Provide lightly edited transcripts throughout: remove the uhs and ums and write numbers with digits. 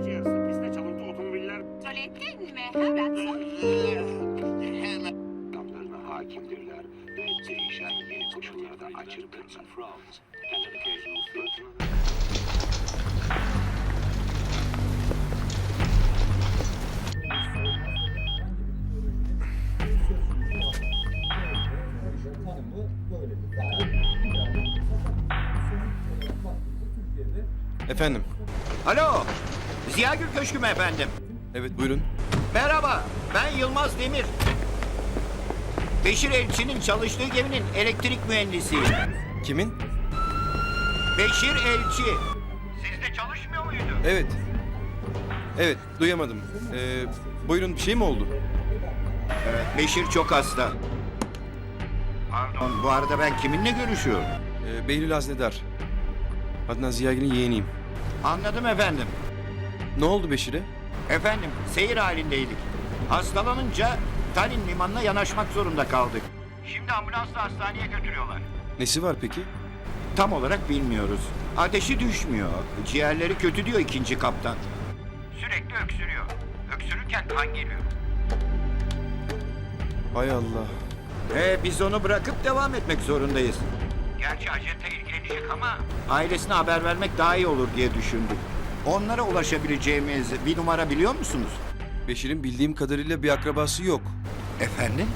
gece yarısı piste çalıntı otomobiller Söyledin mi? Hemen hemen adamlarına hakimdirler ve değişen yeni koşullarda açıktırlar. Efendim? Alo, Ziyagül Köşkü mü efendim? Evet buyurun. Merhaba, ben Yılmaz Demir. Beşir Elçi'nin çalıştığı geminin elektrik mühendisiyim. Kimin? Beşir Elçi. Sizde çalışmıyor muydu? Evet. Evet duyamadım. Buyurun bir şey mi oldu? Beşir çok hasta. Pardon, bu arada ben kiminle görüşüyorum? Behlül Haznedar. Adnan Ziyagil'in yeğeniyim. Anladım efendim. Ne oldu Beşir'e? Efendim, seyir halindeydik. Hastalanınca Tallinn limanına yanaşmak zorunda kaldık. Şimdi ambulansla hastaneye götürüyorlar. Nesi var peki? Tam olarak bilmiyoruz. Ateşi düşmüyor. Ciğerleri kötü diyor ikinci kaptan. Sürekli öksürüyor. Öksürürken kan geliyor. Hay Allah. Biz onu bırakıp devam etmek zorundayız. Gerçi acente ilgilenecek ama... Ailesine haber vermek daha iyi olur diye düşündük. Onlara ulaşabileceğimiz bir numara biliyor musunuz? Beşir'in bildiğim kadarıyla bir akrabası yok. Efendim?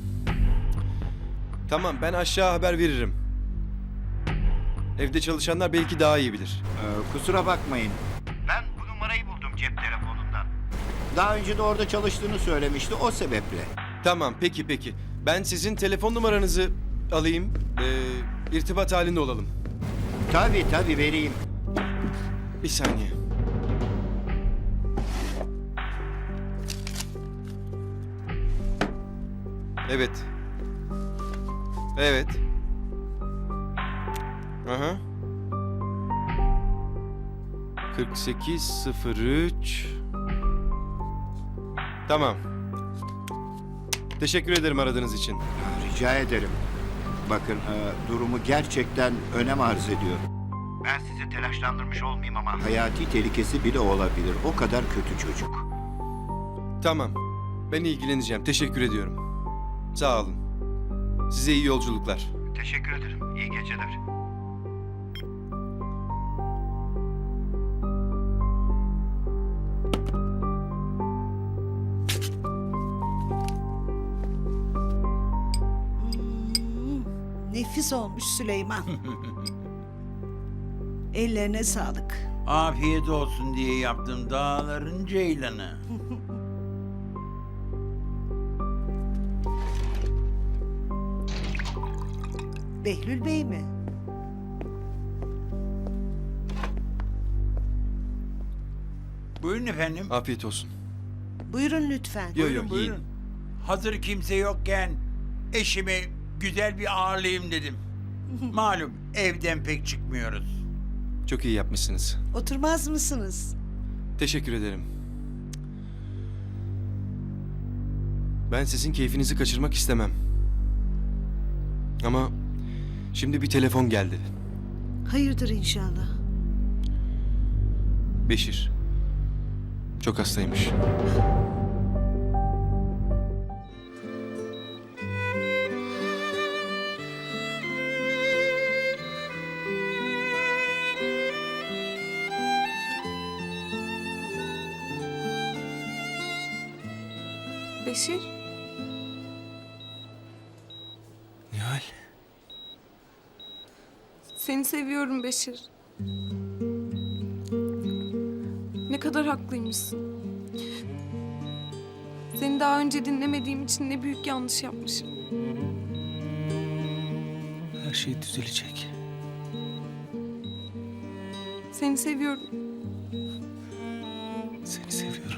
Tamam ben aşağı haber veririm. Evde çalışanlar belki daha iyi bilir. Kusura bakmayın. Ben bu numarayı buldum cep telefonundan. Daha önce de orada çalıştığını söylemişti o sebeple. Tamam peki. Ben sizin telefon numaranızı alayım. İrtibat halinde olalım. Tabii vereyim. Bir saniye. Evet. Evet. Aha. 4803. Tamam. Teşekkür ederim aradığınız için. Rica ederim. Bakın durumu gerçekten önem arz ediyor. Ben sizi telaşlandırmış olmayayım ama... Hayati tehlikesi bile olabilir. O kadar kötü çocuk. Tamam. Ben ilgileneceğim. Teşekkür ediyorum. Sağ olun. Size iyi yolculuklar. Teşekkür ederim. İyi geceler. Nefis olmuş Süleyman. Ellerine sağlık. Afiyet olsun diye yaptım dağların ceylanı. Behlül Bey mi? Buyurun efendim. Afiyet olsun. Buyurun lütfen. Yo, Buyurun, yiyin. buyurun. Hazır kimse yokken eşimi güzel bir ağırlayayım dedim. Malum evden pek çıkmıyoruz. Çok iyi yapmışsınız. Oturmaz mısınız? Teşekkür ederim. Ben sizin keyfinizi kaçırmak istemem. Ama şimdi bir telefon geldi. Hayırdır inşallah. Beşir. Çok hastaymış. Beşir, Nihal. seni seviyorum Beşir. Ne kadar haklıymışsın. Seni daha önce dinlemediğim için ne büyük yanlış yapmışım. Her şey düzelecek. Seni seviyorum. Seni seviyorum.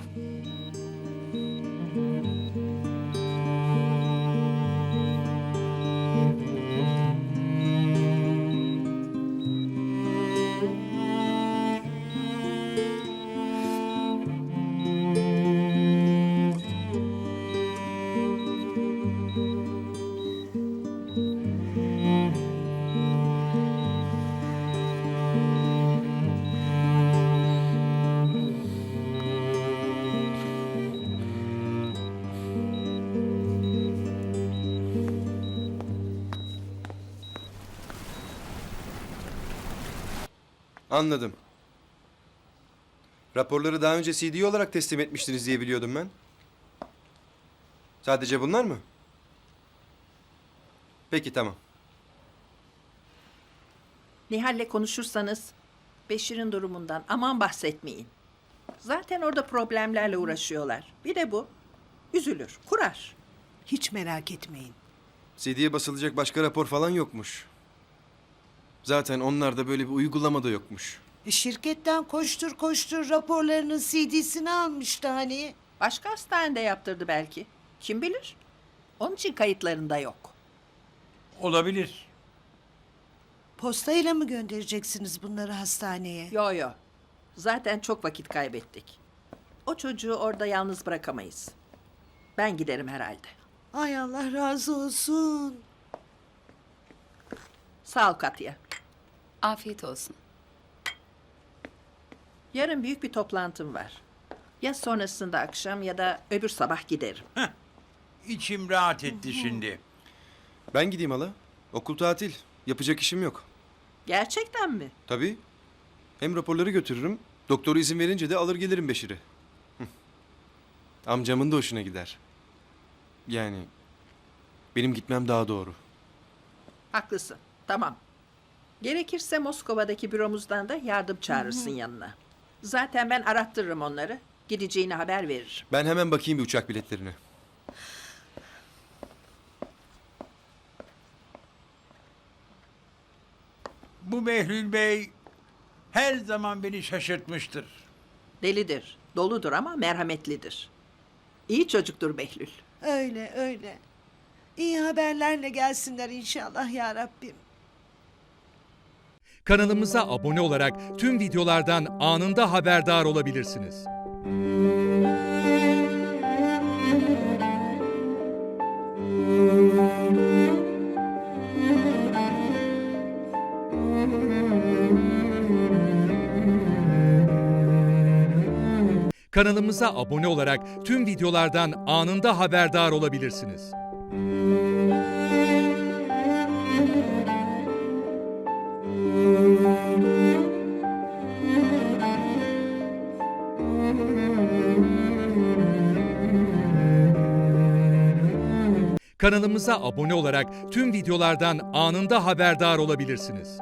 Anladım. Raporları daha önce CD olarak teslim etmiştiniz diye biliyordum ben. Sadece bunlar mı? Peki tamam. Nihal'le konuşursanız Beşir'in durumundan aman bahsetmeyin. Zaten orada problemlerle uğraşıyorlar. Bir de bu. Üzülür, kurar. Hiç merak etmeyin. CD'ye basılacak başka rapor falan yokmuş. Zaten onlarda böyle bir uygulama da yokmuş. Şirketten koştur koştur raporlarının CD'sini almıştı hani. Başka hastanede yaptırdı belki. Kim bilir? Onun için kayıtlarında yok. Olabilir. Postayla mı göndereceksiniz bunları hastaneye? Yo yo. Zaten çok vakit kaybettik. O çocuğu orada yalnız bırakamayız. Ben giderim herhalde. Ay Allah razı olsun. Sağ ol Katya. Afiyet olsun. Yarın büyük bir toplantım var. Ya sonrasında akşam ya da öbür sabah giderim. İçim rahat etti şimdi. Ben gideyim hala. Okul tatil. Yapacak işim yok. Gerçekten mi? Tabii. Hem raporları götürürüm. Doktoru izin verince de alır gelirim Beşir'i. Hı. Amcamın da hoşuna gider. Yani benim gitmem daha doğru. Haklısın. Tamam. Gerekirse Moskova'daki büromuzdan da yardım çağırırsın yanına. Zaten ben arattırırım onları. Gideceğini haber veririm. Ben hemen bakayım bir uçak biletlerine. Bu Behlül Bey her zaman beni şaşırtmıştır. Delidir, doludur ama merhametlidir. İyi çocuktur Behlül. Öyle öyle. İyi haberlerle gelsinler inşallah ya Rabbim. Kanalımıza abone olarak tüm videolardan anında haberdar olabilirsiniz. Kanalımıza abone olarak tüm videolardan anında haberdar olabilirsiniz. Kanalımıza abone olarak tüm videolardan anında haberdar olabilirsiniz.